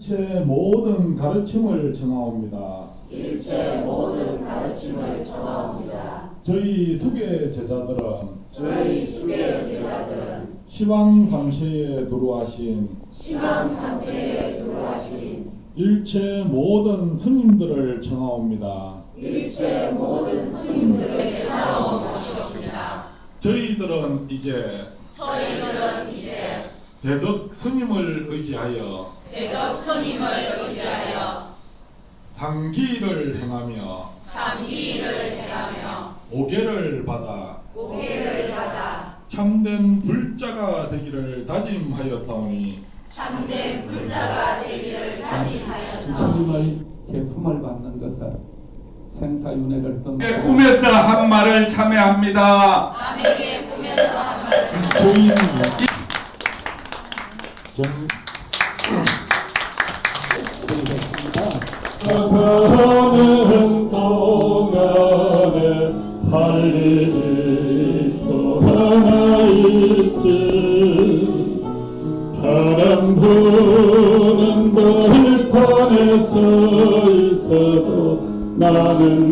일체 모든 가르침을 청하옵니다. 일체 모든 가르침을 청하옵니다. 저희 수계 제자들은 저희 수계 제자들은 시방 상세에 들어와신 일체 모든 스님들을 청하옵니다. 일체 모든 스님들을 청하옵니다. 저희들은 이제 대덕 스님을 의지하여 상기를 행하며 오계를 받아 참된 불자가 되기를 다짐하였사오니 부처님의 계품을 받는 것은 생사윤회를 떠나고 꿈에서 한 말을 참여합니다. 고인 가는 동안에 할 일이 또 하나 있지. 바람 부는 들판에 서 있어도 나는